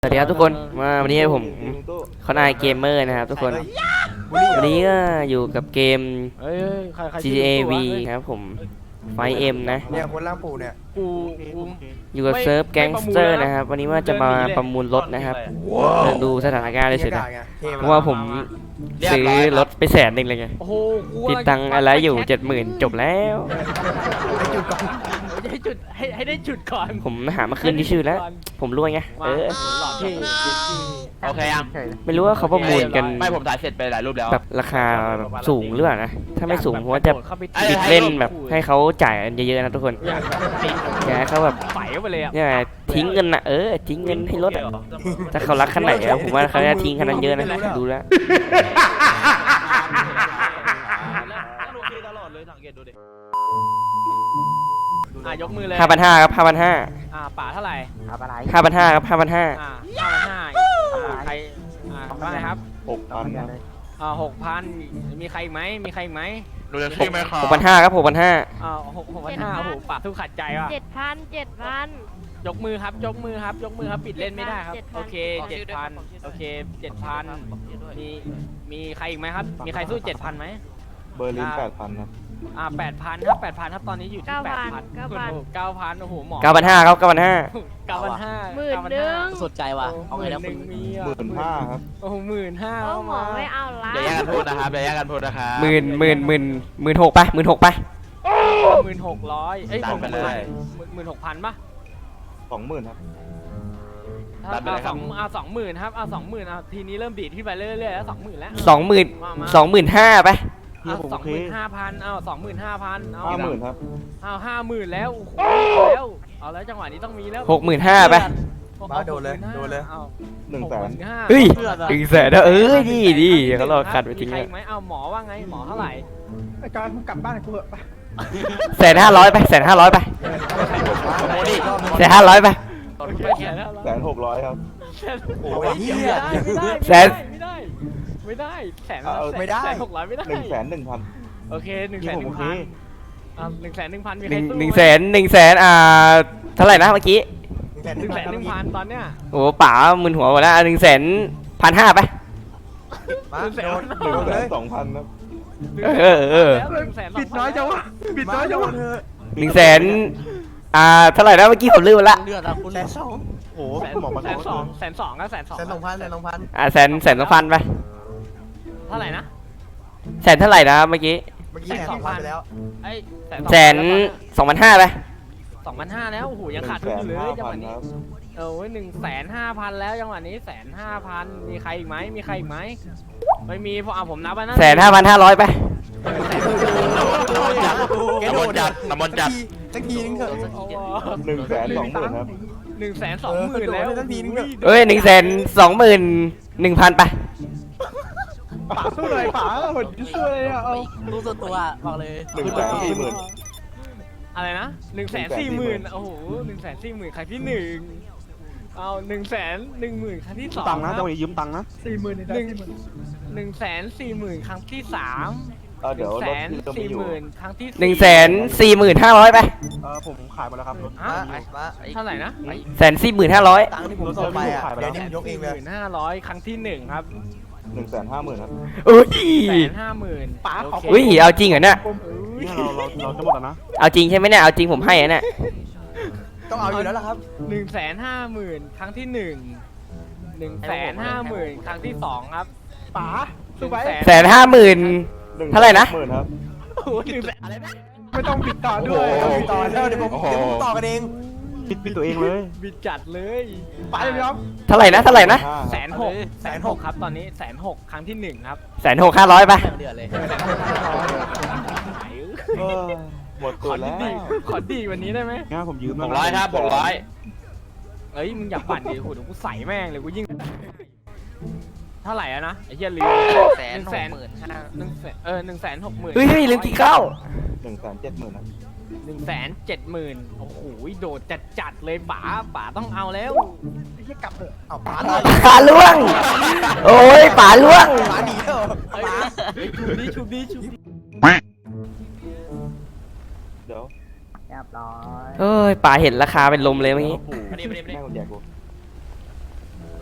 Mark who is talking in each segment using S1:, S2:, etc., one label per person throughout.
S1: สวัสดีครับทุกคนวันนี้ผมเขานายเกมเมอร์นะครับทุกคนวันนี้ก็อยู่กับเกม GTA V ครับผมไฟเอ็มนะ
S2: เนี่ยคนล่างปู่เนี่ย
S1: อยู่กับเซิร์ฟแก๊งสเตอร์นะครับวันนี้ว่าจะมาประมูลรถนะครับดูสถานการณ์เลยเฉยนะเพราะว่าผมซื้อรถไป100,000เลยไงติดตังอะไรอยู่70,000จบแล้ว
S3: ให้ได้จุดก่อน
S1: ผมหามาคืนที่ชื่อแล้วผมรวยไง
S3: โอเคยัง
S1: ไม่รู้ว่าเขาประมูลกัน
S3: ไม่ผมถ่ายเสร็จไปหลายรูปแล้ว
S1: แบบราคาแบบสูงหรือเปล่านะถ้าไม่สูงผมว่าจะปิดเล่นแบบให้เขาจ่ายเยอะๆนะทุกคนอย่าให้เขาแบบ
S3: ไฟไปเลย
S1: เนี่ยทิ้งเงินนะทิ้งเงินให้รถถ้าเขารักขนาดไหนผมว่าเขาจะทิ้งขนาดเยอะนะดูแล้ว
S3: ยกมือเลย
S1: 5,500ครับ5,500
S3: ป่าเท่าไหร่
S1: 5,500ครับ5,500
S3: ใครว่าไงครับ
S2: 6,000ครับ
S3: 6,000มีใครอีกไหม
S2: ดูจะซื้อไหมครับ
S1: 6,500ครับ6,500
S3: 6,500โอ้โหป่าทุกขัดใจว่ะ
S4: 7,000
S3: ยกมือครับปิดเล่นไม่ได้ครับโอเค7,000โอเค7,000มีใครอีกไหมครับมีใครสู้7,000ไหม
S2: เบอร์ลิน8,000ครับ
S3: 8,000ครับตอนนี้อยู่ที่8,000 9,000โอ้โหหมอ
S1: 9,500ครับ9,500
S4: 10,000
S3: สดใจว่ะเอาไงแล้ว
S2: 15,000ครับ
S3: โอ้โห15,000
S4: โอ้หมอไม่เอาละ
S3: อย่าแย่งกันพูดนะครับ
S1: 16,000ไป16,000ไป
S3: 16,000เอ้ย16,000ป่ะ
S2: 20,000ครับ
S3: 20,000ครับ20,000ทีนี้เริ่มดีดขึ้นไปเรื่อยๆแล้ว20,000แล้ว
S1: 25,000ไป
S3: 25,000เอา25,000เอา
S2: 50,000ครับ
S3: 50,000แล้วโอ้โหแล้วเอาแล้วจังหวะนี้ต้องมีแล้ว
S1: 65,000ไป
S2: มาโดนเลย100,000
S1: เฮ้ย100,000ดีเขารอขัดไปทิ้ง
S3: แล้วไหมเอาหมอว่าไงหมอเท่าไหร่
S2: ไอ้การมึงกลับบ้านกูเหอะไป
S1: 1,500ไป1,500ไป1,500ไป
S2: 1,600ครับ
S3: โอ้ยไม่ได้1,600ไม่ได้
S2: 1,100,000
S3: โอเค1,100,0001,100,000มีใคร
S1: เท่าไหร่นะเมื่อกี้
S3: 1,100,000ตอนเนี้ย
S1: โอ้ป๋ามึนหัวหมดแล้ว1,500,000ไป
S2: มาโดนเลย2,000ครับ
S3: ปิดน้อยจังวะ
S1: 100,000เท่าไหร่นะเมื่อกี้ผมลืมละ
S2: 120,000โอ้หมอมา
S3: 120,000ก็
S1: 120,000ไป
S3: เท่าไหร่นะ
S1: เท่าไหร่นะเมื่อกี้
S2: 120,000ไปแล้ว
S1: 120,000ไป
S3: 2,500แล้วโอ้โหยังขาดทุนอยู่เลยจังหวะนี้1,500,000แล้วจังหวะนี้1,500,000มีใครอีกไหมไม่มีพอผมนับไปนะ
S1: 1,500ไป
S3: น้ำมนต์จัด
S2: สักทีนึงเถอะ120,000ครับ
S3: 120,000แล้ว
S2: สักทีนึงเถอะ
S1: 121,000ไป
S2: ป๋าสู้เลยป๋าหดสู้เลยเอา
S3: รู้ตัวบอกเลย
S2: 140,000
S3: อะไรนะ140,000โอ้โห140,000ครั้งที่1เอา110,000ครั้งที่2
S2: ตังนะต้องยืมตังนะ
S3: 140,000ครั้งที่3
S2: เดี๋ยว
S3: 140,000ครั้งที่
S1: 145,000ไป
S2: ผมขายหมดแล้วครับรถ
S3: เท่าไหร่นะ
S1: 145,000
S2: ตังที่ผมส่งไปเดี๋ยวนี้ยกเองเลย
S3: 1,500ครั้งที่1ครับ
S2: 150,000ครับ
S3: 150,000
S2: ป๋าขอ
S1: เอาจริงเหรอเนี่ย
S2: เราจะหมดแล้วนะ
S1: เอาจริงใช่ไหมเนี่ยเอาจริงผมให้เนี่ย
S2: ต้องเอาอยู่แล้วล่ะครับ
S3: 150,000ครั้งที่1,150,000ครั้งที่2ครับ
S2: ป๋าสู้ไป
S1: 150,000เท่าไหร่นะ
S3: อะไรนะ
S2: ไม่ต้องปิดต่อด้วยปิดต่อแล้วเดี๋ยวผมต่อกันเองปิดตัวเองเลย
S3: บิดจัดเลย
S2: ไปเลยครับ
S1: เท่าไหร่นะ
S3: 160,000ครับตอนนี้160,000ครั้งที่1ครับ
S1: 160,500ไป
S3: เดือดเลย
S2: หมดตัวแล้ว
S3: ขอดีวันนี้ได้ไหม
S2: งั้นผมยืม
S3: 600ครับ600เอ้ยมึงอย่าปั่นดิโหเดี๋ยวกูใส่แม่งเลยกูยิ่งเท่าไหร่อะนะไอ้เหี้ยลืม160,000
S1: เฮ้ยลืมกี่เข้า
S2: 170,000นะ
S3: 170,000โอ้โหโดดจัดเลยป๋าต้องเอาแล้ว
S2: ไอ้เหี้ยกลับเถอะเอาป๋า
S1: ล่วงโอ้ยป๋าล่วง
S2: ป๋าหนีเถอะ
S3: ชุบดี
S2: เดี๋ยว
S4: เรียบร้อย
S1: เฮ้ยป๋าเห็นราคาเป็นลมเลยเมื่อกี้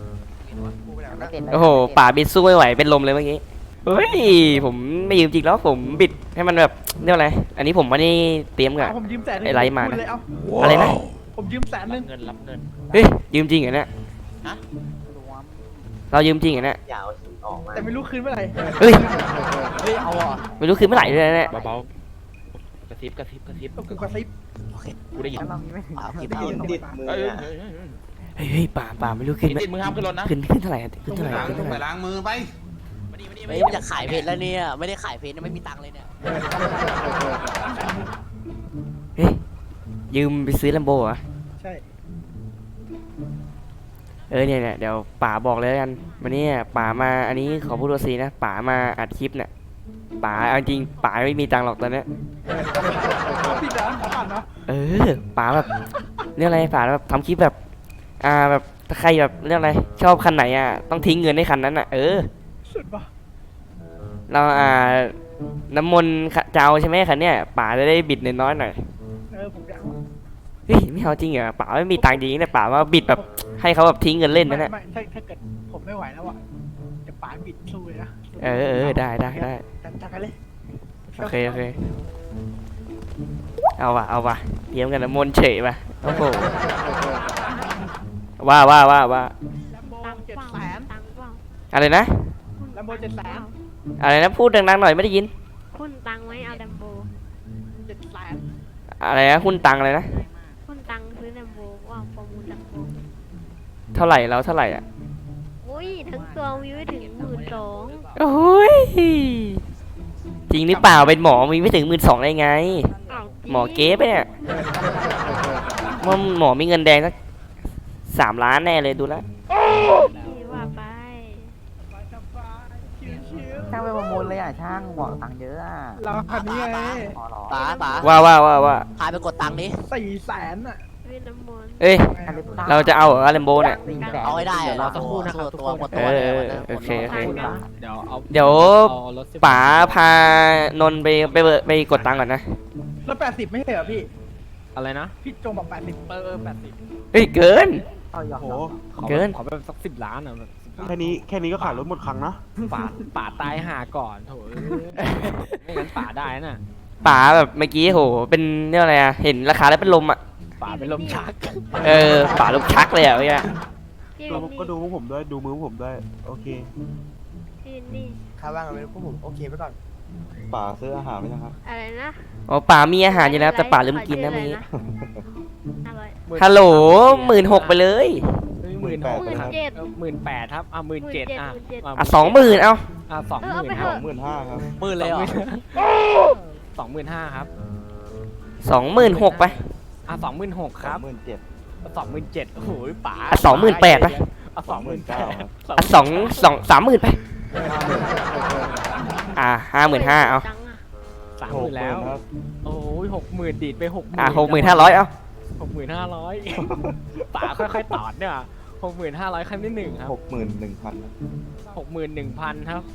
S2: นะ
S1: โอ้โหป่าบิดสู้ไม่ไหวเป็นลมเลยเมื่อกี้เฮ้ยผมไม่ยืมจริงแล้วผมบิดให้มันแบบเรียกอะไรอันนี้ผมไม่ได้เตรียมกับ
S5: ผมยืมแสนนึง
S1: ไอ้ไรมานะ
S5: พูดเลยเอา
S1: อะไรนะ
S5: ผมยืมแสนนึง
S3: เงินรับเงิน
S1: เฮ้ยยืมจริงเหรอเนี่ยเรายืมจริงเหรอเนี่ย
S5: แต่ไม่รู้คืนเมื่อไหร่
S1: เฮ้ย
S2: เฮ้ยเอาอ่ะ
S1: ไม่รู้คือเมื่อไหร่เลยนะเนี่ย
S3: เบาๆกระซิบ
S5: ต้องกูกระซิบ
S3: กูได้ยิน
S2: ได้ยินติดมือ
S1: เฮ้ยป่าไม่รู้ขึ้นไหม
S3: ติดมือห้ามขึ้นรถนะ
S1: ขึ้นเท่าไหร่อะขึ้นเท่าไหร่ขึ้น
S6: ต้อง
S1: เท่า
S6: ไป
S1: ไหร่
S6: ล้างมือไป
S7: เฮ้ยมันจะขายเพจแล้วเนี่ยไม่ได้ขายเพจนะไม่มีตังค์เลยเนี่ย
S1: เฮ้ยยืมไปซื้อลัมโบเหรอ
S5: ใช่
S1: เนี่ยเดี๋ยวป๋าบอกเลยแล้วกันวันนี้ป๋ามาอันนี้ขอพูดตัวซีนะป๋ามาอัดคลิปเนี่ยป๋าเอาจริงป๋าไม่มีตังค์หรอกตอนเนี้ย
S5: พี่จ๋าขอผ่านเนาะ
S1: ป๋าแบบเรื่องอะไรป๋าแบบทำคลิปแบบแบบถ้าใครแบบเรื่องอะไรชอบคันไหนต้องทิ้งเงินให้คันนั้น
S5: สุดปะ
S1: เราน้ำมนต์เจ้าใช่ไหมคันเนี้ยป๋าจะได้บิดน้อยๆหน่อย
S5: ผมอยาก
S1: เฮ้ยไม่เอาจริงเหรอป๋าไม่มีตังค์จริงเนี่ยป๋าว่าบิดแบบให้เขาแบบทิ้งเงินเล่นนั่นแหละ
S5: ไม่ถ้าเกิดผมไม่ไหวแล้วอ่ะจะป๋าบิดสู้เลยนะ
S1: ได้
S5: จัดไปเลย
S1: โอเคเอาว่ะเตรียมกันน้ำมนต์เฉยป่ะโอ้โหว่า
S5: แลมโบ
S4: ตังค์
S5: เจ็ด
S4: เปล่า
S5: แสน
S4: ตังค์เปล่า
S1: อะไรนะ
S5: แลมโบ700,000
S1: อะไรนะพูดดังๆหน่อยไม่ได้ยิน
S4: คุณตังค์ไว้เอาแลมโบ
S5: 700,000
S1: อะไรนะหุ้นตังอะไรนะ
S4: คุณตังค์ซื้อแลมโบว่าประมูลแลมโบ
S1: เท่าไหร่แล้วเท่าไหร่อ่ะ
S4: อุ้ยทั้งตัวมีไม่ถึง12,000
S1: โอ้ยจริงหรือเปล่าเป็นหมอมีไม่ถึง12,000ได้ไง
S4: อ้าวจริง
S1: หมอเก๊ไปเนี่ยว่าหมอมีเงินแดงสัก3 ล้านแน่เลยดูแล้ว
S4: นี่ว่าไป
S2: ช่างไปประมูลเลยช่างบอกตังค์เยอะ
S5: เราคันนี้ไง
S7: ป๋า
S1: ว่า
S7: พาไปกดตังค์นี้
S5: 400,000อ่ะ
S4: ซื้อน้ำมนต์
S1: เอ้ยเราจะเอาเหรอแลมโบเนี่ย
S7: เอาให้ได้อะ
S3: รอสักครู่นะครับ
S7: ตัวหมด
S1: เอ
S7: ตัว
S1: อ
S7: เลย
S1: โอเค
S3: เดี๋ยวเอา
S1: เดี๋ยว
S3: เอารถ10
S1: ป๋าพานนท์ไปกดตังค์ก่อนนะ
S5: แล้ว80ไม่ใช่เหรอพี่
S3: อะไรนะ
S5: พี่จงบอก80
S3: 80
S1: เฮ้ยเกิน
S2: โอ้โห
S1: เกิน
S3: ขอแบบสัก10 ล้านอ่ะแบบ10 ล้าน
S6: แค่นี้ก็ขายรถหมดครั้งนะ
S3: ป่าตายหาก่อนโถไม่งั้นป่าได้น่ะ
S1: ป๋าแบบเมื่อกี้โหเป็นเรื่องอะไรเห็นราคาแล้วเป็นลม
S3: ป่าเป็นลมชัก
S1: ป๋าลมชักเลยเมื่อกี้
S4: พี่
S6: ก็ดูพวกผมด้วยดูมือพวกผมด้วยโอเค
S4: พี่นี่
S2: ค่าว่างกันไปพวกผมโอเคไปก่อน
S6: ป่าซื้ออาหารไหมนะครับ
S4: อะไรนะ
S1: อ๋อป๋ามีอาหารอยู่แล้วแต่ป๋าลืมกินนะเมื่อกี้
S4: 500
S1: ฮัลโหล16,000ไปเลย
S3: 18,000ครับ17,000
S1: 20,000เอา
S3: 20,000ครับ
S6: 25,000ครับ
S7: มือเลยเหรอ
S3: 25,000ครับ
S1: 26,000ไป
S3: 26,000ครับ
S6: 27,000
S3: 27,000โอ้โหป๋า
S1: 28,000ไป
S6: 29,000ครับ
S1: 30,000ไป55,000เอา
S4: ตังค์อะ
S3: 30,000แล้ว
S6: ครับ
S3: โอ้ย60,000ดีดไป60,000
S1: 6,500เอา
S3: 6,500ป๋าค่อยๆตอดเนี่ย6,500ครั้งที่1ครับ
S6: 61,000ครับ
S3: 61,000ครับ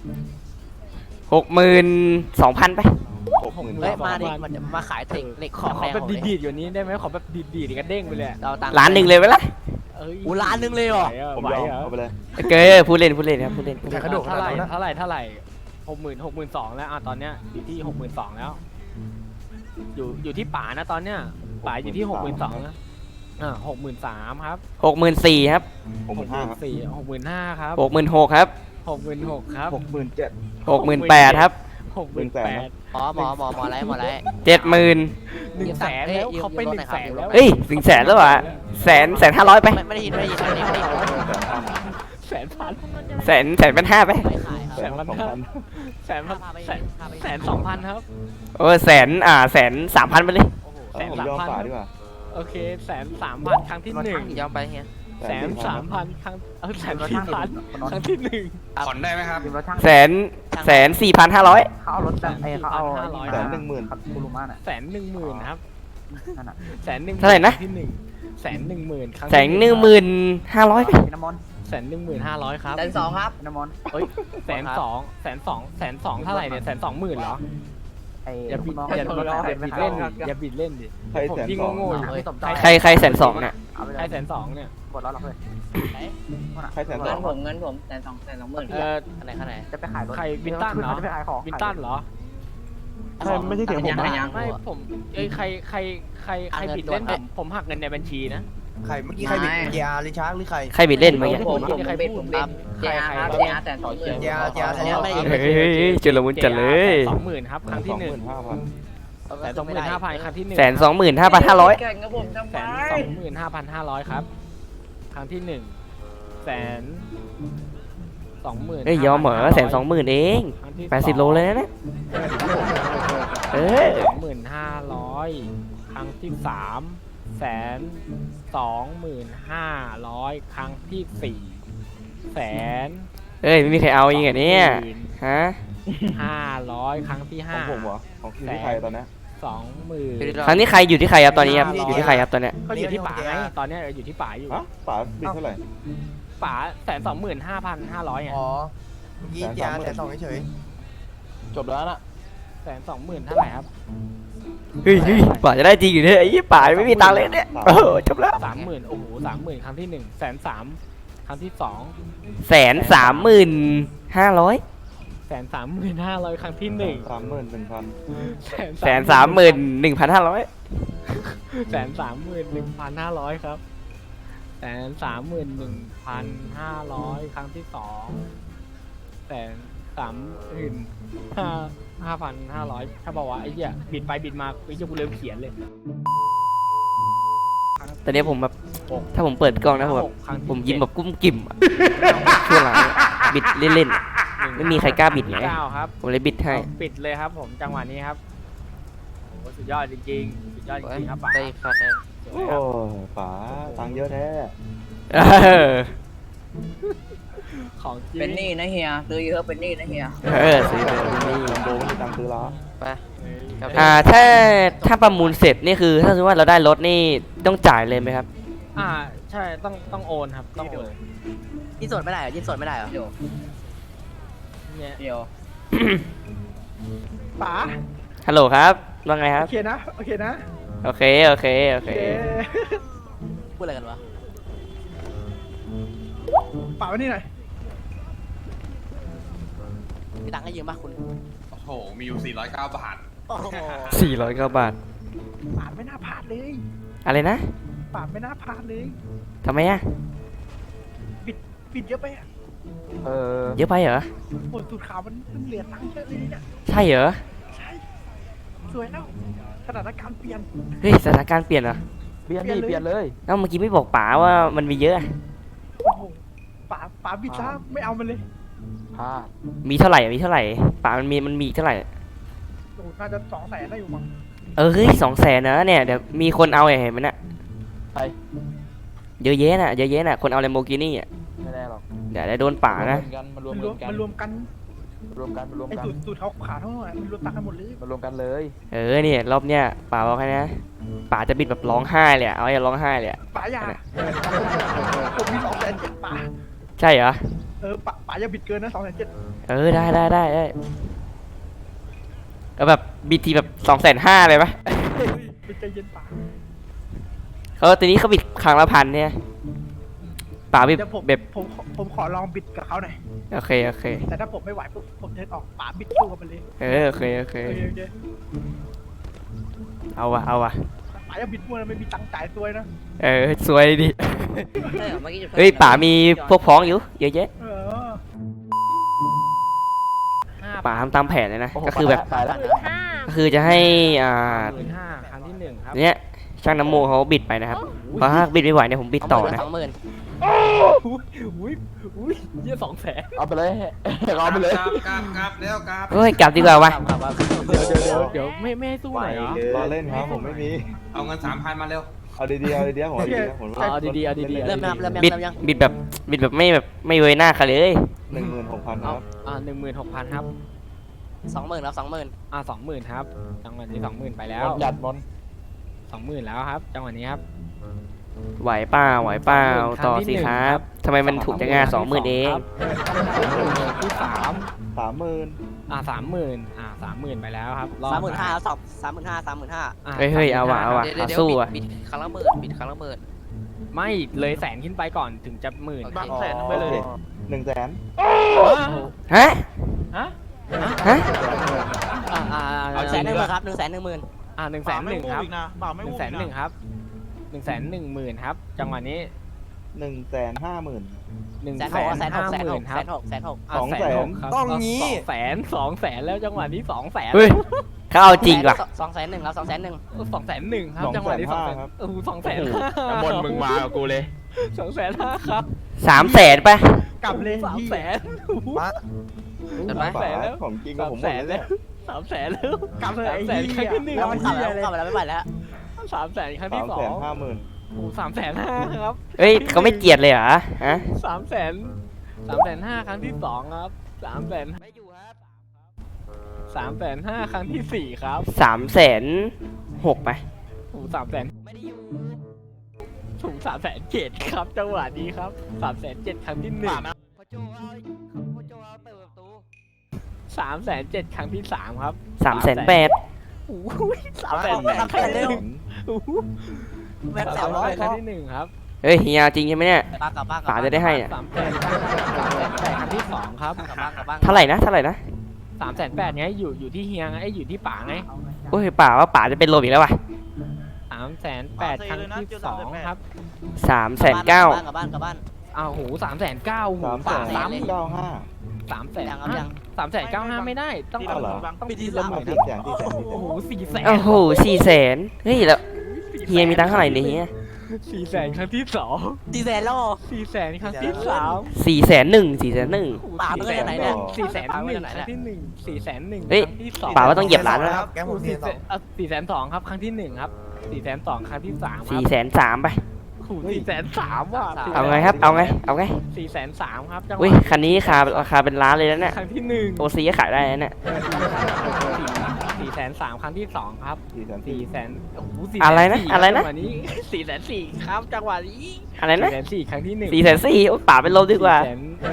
S1: 62,000ไป
S6: 60,000
S7: เฮ้ยมาดิมาขายเทคเหล็ก
S3: ขอ
S7: แรง
S3: แบบ
S7: ของ
S3: ดีดๆอยู่นี้ได้ไหมขอแบบดีดๆกระเด้งไปเลยอะ
S7: เราตังค์
S1: ล้านหนึ่งเลยไหมล่ะ
S3: เอ้ย
S7: อู้ล้านนึงเลยเหรอ
S6: ผม
S3: ไหวย
S6: อม
S3: เหรอ
S6: เอาไปเลย
S1: เกยพูดเล่นครับพูดเล่น
S2: กระโดดข
S3: เท่า
S2: นาด
S3: ไหร่
S2: นั้นนะ
S3: เท่าไหร่62,000แล้วตอนเนี้ยอยู่ที่62,000แล้วอยู่ที่ป๋านะตอนเนี้ยป๋าอยู่ที่62,000นะ63,000ครับ
S1: 64,000ครับ
S6: 65,000
S3: 65,000ครับ
S1: 66,000ครับ
S3: 66,000ครับ
S6: 67,000
S1: 68,000ครับ
S3: 68,000
S7: หมออะไร
S1: 70,000
S3: 100,000แล้วเขาไป100,000แล้ว
S1: เฮ้ยถึงแสนแล้วอ่ะ100,500ไป
S7: ไม่ได้ยินอันนี้ไม่ได้ยิน
S3: 100,000
S1: 1,500ไป
S7: ไม่ขายครับ
S3: 1,200,000ครับ
S1: โอ้103,000ไปเลย
S6: ผมยอมป่าดีกว่า
S3: โอเค103,000ครั้งที่1
S7: ยอมไปเฮีย
S3: 103,000ครั้ง104,000ครั้งที่1
S6: ผ่อนได้ไหมครับ
S1: 104,500
S2: เขาเอารถแบบเขาเอา
S6: 110,000
S2: คูรุมาน่ะ
S3: 110,000ครับ
S2: นั่นน่ะ
S3: 110,000
S1: เท่าไหร่นะ
S3: ที่110,000ครั้ง
S1: 115,000ไป
S2: น้ำมนต์
S3: 115,000ครับ
S7: 120,000ครับ
S2: น้ำมนต์
S3: เฮ้ย102,000เท่าไหร่เนี่ย120,000เหรอ
S2: ไอ้
S3: อย่าบิด
S2: น้อง
S3: อย่าบิดเล่นดิอย่าบิดเล่นดิ
S6: ใคร
S3: ผม
S6: 120,000
S3: ยิ่งโง่ๆอยู่
S2: เฮ้ยสมใจ
S1: ใคร102,000เนี่ย
S2: เอาไปเล
S3: ใคร
S2: ย
S3: 102,000เนี่ย
S2: กดแล้วหรอเพื่อน
S6: ใครแสนส
S5: เงิ
S6: อน ง
S5: ผมเงินผม120,000
S7: อันไหนข้างไหน
S2: จะไปขายรถ
S3: ใครวินตันเหรอ
S2: จะไปขายของ
S3: วินตันเหรอ
S6: ไม่ใช่เสียงผม
S3: ไม่ผมใครบิดเล่นผมหักเงินในบัญชีนะ
S2: ใครเมื่อกี้ใครบิดเกียร์หรือช้างหรือใคร
S1: ใครบิดเล่นเมื่อกี้
S5: ผมเจอาครับเจอาแต่2,000
S2: เกียร์แสดงว่า
S1: เฮ้ยจุลมุนจัดเลย
S3: 20,000ครับครั้งที่หนึ่ง
S6: 25,000
S3: แต่25,000ครั้งที่หนึ่ง
S1: 125,500
S5: แข่งกับผมทำไม
S3: 125,500ครับครั้งที่หนึ่ง120,000
S1: เอ้ยยอมเหรอ120,000เอง80 โลเลยนะเนี่ยเออ
S3: 25,000ครั้งที่120,500ครั้งที่4
S1: เอ้ยไม่มีใครเอายิงอ่ะเนี่ยฮะ
S3: 500ครั้งที่
S6: ของผมเหรอของที่ใครตอนนี้
S3: 20,000
S1: ครั้งนี้ใครอยู่ที่ใครครับตอนนี้ครับอยู่ที่ใครครับตอนเนี้ย
S3: ก็อยู่ที่ป๋าไงตอนเนี้ยอยู่ที่ป๋าอยู่
S6: ฮะป๋าบิดเท่าไหร่
S3: ป๋า125,500ไง
S2: อ๋อเมื่อกี้เกียร์แต่2เฉย
S6: จบแล้วนะ
S3: 120,000เท่าไหร่ครับ
S1: เฮ้ยป่าจะได้จริงอยู่เนี่ยไอ้ยี่ป่าไม่มีตังค์เลยเนี่ยโอ้โหจบแล้ว
S3: 30,000โอ้โห30,000ครั้งที่130,000ครั้งที่2
S1: 130,500
S3: 130,500ครั้งที่1
S6: 31,000
S1: 131,500
S3: 131,500ครับ131,500ครั้งที่2,135,500ถ้าบอกว่าไอ้เหี้ยบิดไปบิดมาไอ้เหี้ยกูเริ่มเขียนเลย
S1: ตอนนี้ผมแบบถ้าผมเปิดกล้องนะผมแบบผมยิ้มแบบกุ้มกิ่มอะช่วงหลังเนี่ยบิดเล่นๆอะไม่มีใครกล้าบิดไง
S3: 9ครับ
S1: ผมเลยบิดให้
S3: ปิดเลยครับผมจังหวะนี้ครับโอ้โหสุดยอดจริงๆสุดยอดจริงๆครับป๋า
S7: ได้คะแนน
S6: โอ้ป๋าตังค์เยอะแท้
S1: เออ
S3: ของจริง
S5: เป็นหนี้นะเฮียซื้อเยอะเป็นหนี้นะเฮีย
S1: ซื้อเลยนี่
S6: โบไม่มีตังค์ซื้อแล้ว
S7: ไปครับ
S1: ถ้าประมูลเสร็จนี่คือถ้าสมมติว่าเราได้รถนี่ต้องจ่ายเลยไหมครับ
S3: ใช่ต้องโอนครับต้องโอน
S7: ยี่สดไม่ได้เหรอยี่สดไม่ได้เหรอ
S3: เนี่ย
S5: เดี๋ยวป๋า
S1: ฮัลโหลครับว่าไงครับ
S5: โอเคนะโอเคนะ
S1: โอเค
S7: พูดอะไรกันวะ
S5: ป๋ามานี่หน่อย
S7: มีตังค์ให้ยืมป่ะคุณ
S8: โอ้โห มีอยู่ 409 บาท
S7: โอ้โห
S1: 409 บาท
S5: ป๋าไม่น่าพลาดเลย
S1: อะไรนะ
S5: ป๋าไม่น่าพลาดเลย
S1: ทำไมอะ
S5: บิดเยอะไปอ่ะ
S1: เยอะไปเหรอ
S5: โอ้สูตรขาวมันเหลือตังค์เยอะเลยเนี่ย
S1: ใช่เหรอ
S5: ใช่สวยแล้วสถานการณ์เปลี่ยน
S1: เฮ้ยสถานการณ์เปลี่ยนเหรอ
S5: เปลี่ยนเลย
S1: เอ้าเมื่อกี้ไม่บอกป๋าว่ามันมีเยอะอะ
S5: โอ้โหป๋าบิดซะไม่เอามันเลย
S1: มีเท่าไหร่ป๋ามันมีเท่าไหร่
S5: โอ้โหน่าจะ200,000ได้อยู่มั้ง
S1: เฮ้ย200,000นะเนี่ยเดี๋ยวมีคนเอาเห็นไหมน่ะ
S6: ใคร
S1: เยอะแยะน่ะคนเอา Lamborghini อ่ะ
S6: ไม่ได้หรอก
S1: เดี๋ยวได้โดนป๋านะ
S6: มันร
S5: มั
S6: วน ม
S5: รวมกัน
S6: รวมกัน
S5: ไอ้สูตรเขาขาวเท่าไหร่มันรวมตังค์กันหมดเลย
S6: มันรวมกันเลย
S1: เนี่ยรอบเนี้ยป๋าบอกให้นะป๋าจะบิดแบบร้องไห้เลยอะเอาอย่าร้องไห้เลยอะ
S5: ป๋าอย่าผมมี207,000ป๋า
S1: ใช่เหรอ
S5: ป๋าอย่าบิดเกินนะ207,000
S1: ได้ก็แบบบิดทีแบบ250,000เลยปะ
S5: ไปใจเย็นป๋า
S1: ทีนี้เขาบิดครั้งละ1,000เนี่ยป๋าบิด
S5: เดี๋ยว
S1: แบบ
S5: ผมขอลองบิดกับเขาหน่อย
S1: โอเค
S5: แต่ถ้าผมไม่ไหวปุ๊บผมเดินออกป๋าบิดสู้กับมันเลย
S1: โอเค
S5: โอเค
S1: เอาวะ
S5: ป๋าอย่าบิดมั่วนะไม่มีตังค์จ่ายซวยนะ
S1: สวยดิ
S7: ใช่เหรอเมื่อกี้จุด
S1: เฮ้ยป๋ามีพวกพ้องอยู่เยอะแยะ
S5: เออ
S1: ป๋าทำตามแผนเลยนะก็คือแบบ
S6: ตายแล้ว
S1: ก็คือจะให้
S3: 15,000ครั้งที่1ครับ
S1: เนี่ยช่างน้ำโมเขาบิดไปนะครับเพราะถ้าบิดไม่ไหวเนี่ยผมบิดต่อนะ
S7: 20,000
S3: อุ้ยเยี่ย200,000
S6: เอาไปเลยเอาไปเลย
S8: กราบเร็วกราบ
S1: เฮ้ยกลับดีกว่าวะ
S3: เดี๋ยวไม่ให้สู้หน่อยเหรอ
S6: รอเล่นครับผมไม่มี
S8: เอาเงิน 3,000 มาเร็ว
S6: เอาดีๆผม
S3: เอาดีๆ
S7: เริ่มนะครับเริ่ม
S1: บิด
S7: ยัง
S1: บิดแบบไม่เวยหน้าเขาเลย
S6: 16,000 ครับ
S3: 16,000 ครับ
S7: 20,000แล้ว20,000
S3: 20,000 ครับ จังหวะนี้ 20,000 ไปแล้ว
S6: จัดบอล
S3: 20,000 แล้วครับ จังหวะนี้ครับ
S1: ไหวเปล่าต่อสิครับทำไมมันถูกจังงา20,000เอง
S3: ที่3
S6: 30,000
S3: 30,000 ไปแล้วครับรอบ
S7: 35,000แล้ว35,000
S1: เฮ้ยเอาว่ะ
S7: เดี๋ยว
S1: สู้อ่ะ
S7: บิดครั้งละหมื่นบิดครั้งละหมื่น
S3: ไม่เลยแสนขึ้นไปก่อนถึงจะหมื่น
S7: บาง
S3: แสนไปเลย
S6: 100,000
S1: ฮะ
S3: ฮะ
S1: ฮะ
S7: เอา110,000ครับ110,000
S3: 110,000ครับ110,000ครับ110,000ครับจังหวะนี้
S6: 150,000
S3: 150,000ครับ
S6: 200,000
S3: ครับ
S2: ต้องงี้
S3: 200,000แล้วจังหวะนี้200,000
S1: เฮ้ยเขาเอาจริงว่ะ
S7: 210,000ครับ210,000
S3: 201,000ครับจังหวะนี้200,000
S6: ครับ
S3: 200,000
S9: น้ำมนต์มึงมากับกูเลย
S3: 205,000ครับ
S1: 300,000ไป
S5: กลับเลย
S2: มา
S6: ของจริงกับผมหมดเลย
S3: 300,000แล้ว
S5: กลับเลยไอ้
S3: 300,000ครั้งที่หนึ่ง
S7: แล้วมันขับแล้วไม่ไหวแล้ว
S3: 300,000ครั้งที่สอง
S6: 350,000
S3: โอ้350,000ครับ
S1: เฮ้ยเขาไม่เกลียดเลยเหรอฮะ
S3: 300,000 ครั้งที่สองครับ300,000ไม่อยู่ครับ350,000ครั้งที่สี่ครับ
S1: 306,000ไป
S3: โอ้300,000ไม่ได้อยู่ถูก307,000ครับจังหวะนี้ครับ307,000ครั้งที่หนึ่ง307,000ครั้งที่สามครับ
S1: 308,000
S3: โอ้ย308,000ครั้งที่หนึ่งโอ้โห
S7: แม่ง
S3: 300,000ครั้งที่หนึ่งครับ
S1: เฮ้ยเฮียจริงใช่ไหมเนี่ย
S7: บ้างกับบ้าง
S1: ป๋าจะได้ให้เนี่ย
S3: 308,000ครั้งที่สองครับ
S7: กับบ้างกับบ้าง
S1: เท่าไหร่นะเท่าไหร่นะ
S3: 308,000ไงอยู่ที่เฮียไงอยู่ที่ป๋าไง
S1: โอ้ยป่าว่าป่าจะเป็นลมอีกแล้วว่ะ
S3: 308,000ครั้งที่สองครับ
S1: 309,000
S7: กับบ้าน
S3: อ้าวโห309,000หูป๋าซ้ำ
S6: 395
S3: 300,000
S7: ยังครับยัง
S3: 395,000ไม่ได้ต้อง
S6: เอาเหรอ
S3: ต้องมีที่ละหมื่น
S6: 400,000
S3: โอ้โห400,000
S1: โอ้โห400,000เฮ้ยแล้วเฮียมีตังค์เท่าไหร่เนี่ยเฮีย
S3: 400,000ครั้งที่สอง
S7: 400,000แล้ว
S3: 400,000ครั้งที่สาม
S1: 401,000
S7: ป๋าเมื่อไหร่เนี่ย
S3: 400,000ครั้งที่หนึ่ง400,000
S1: เฮ้ย
S3: ครั้งที่สอง
S1: ป่าว่าต้องเหยียบล้านแล้ว
S2: ครับแกงผมเทียนสอง
S3: 402,000ครับครั้งที่หนึ่งครับ402,000ครั้งที่สามครับ
S1: 403,000ไป
S3: โอ้โห403,000ว่ะ
S1: เอาไงครับเอาไงเอาไง
S3: 403,000ครับจังห
S1: อุ้
S3: วะ
S1: ยคันนี้ราคาเป็นล้านเลยนะเนี่ย
S3: ครั้งที่หนึ่ง
S1: โอซีก็ขายได้นะเนี่ย
S3: 403,000ครั้งที่สองครับ 400,000โอ้โห
S1: อะไรนะอะไรนะ
S3: จังหวะนี้404,000ครับจังหวะนี้
S1: อะไรนะ
S3: 404,000ครั้งที่หนึ่ง
S1: 404,000โอ้ยป่าเป็นลมดีกว่า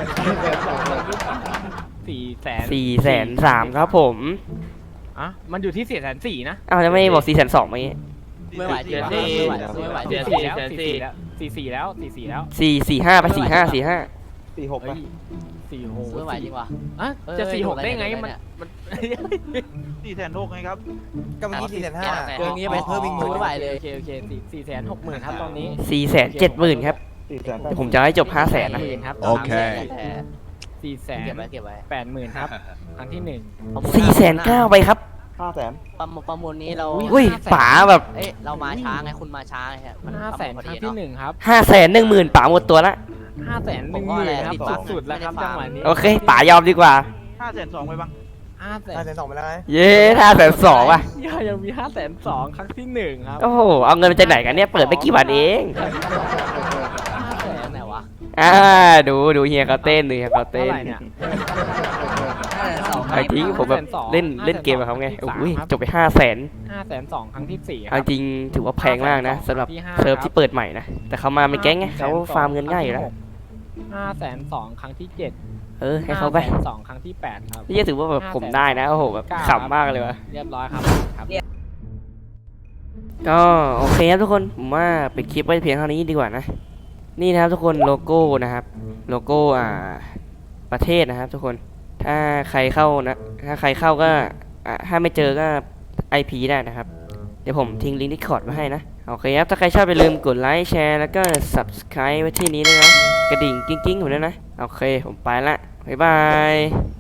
S1: 403,000ครับผม
S3: อ่ะมันอยู่ที่404,000นะ
S1: อ้าวจะไม่บอก402,000เมื่อกี้
S7: ไม่ไหวจริงไม่ไหว
S3: 44แล้ว44แล้ว
S1: 445ไป45 45
S6: 46
S3: เฮ้
S6: ป่ะ
S3: ย4 6
S7: ไม่ไหวจริงว่ะ
S3: อ่ะจะ46ได้ไงมัน
S9: 406,000ไงครับ
S2: ก็เมื่อกี้405,000
S7: เกินนี้ไป
S2: เพิ่มอีกหมื่น
S7: ไม่ไหวเลย
S3: โอเค460,000ครับตอนนี้
S1: 470,000ครับ
S6: 480,000
S1: เดี๋ยวผมจะให้จบ500,000นะ
S3: ครับ
S9: โอเค
S7: เก็บไว้เก็บไว้
S3: 480,000ครับครั้งที่หนึ่ง
S1: 409,000ไปครับ
S6: 500,000
S7: ประมูลนี้เรา
S1: อุ้ยป๋าแบบ
S7: เอ๊ะเรามาช้าไงคุณมาช้าไงฮะ
S3: 500,000ครั้งที่หนึ่งครับ
S1: 510,000ป๋าหมดตัวละ
S3: 510,000ครับสุดๆแล้วครับจังหวะนี้
S1: โอเคป๋ายอมดีกว่า
S9: 502,000ไปบ้าง
S3: 500,000
S2: 502,000ไปแล้วไง
S1: เย้502,000ว่ะ
S3: ยังมี502,000ครั้งที่หนึ่งครับ
S1: โอ้โหเอาเงินมาจากไหนกันเนี่ยเปิดไปกี่บาทเอง
S7: ไหนวะ
S1: ดูเฮียเขาเต้นดูเฮียเขาเต้
S3: เท่าน ไหร่เนี่ย
S1: ไอ้ทิ้งผมแบบเล่นเกมกับเขาไงโอ้ยจบไป500,000
S3: 502,000ครั้งที่สี่ค
S1: เอา
S3: รับ
S1: จริงถือว่าแพงมากนะสำหรับเซิร์ฟที่เปิดใหม่นะแต่เขามาเป็นแก๊งไงเขาฟาร์มเงินง่ายอยู่แล้ว
S3: 502,000ครั้งที่7
S1: ให้เขาไป
S3: 502,000ครั้งที่8ครับ
S1: นี่จะถือว่าแบบผมได้นะโอ้โหแบบขำมากเลยวะ
S3: เรียบร้อยครับครับ
S1: ก็โอเคครับทุกคนผมว่าปิดคลิปไว้เพียงเท่านี้ดีกว่านะนี่นะครับทุกคนโลโก้นะครับโลโก้ประเทศนะครับทุกคนถ้าใครเข้านะถ้าใครเข้าก็ถ้าไม่เจอก็ IP ได้นะครับเดี๋ยวผมทิ้งลิงก์ Discord ไว้ให้นะโอเคครับถ้าใครชอบอย่าลืมกดไลค์แชร์แล้วก็ Subscribe ไว้ที่นี้ด้วยนะกระดิ่งกิ้งๆผมด้วยนะโอเคผมไปละบ๊ายบาย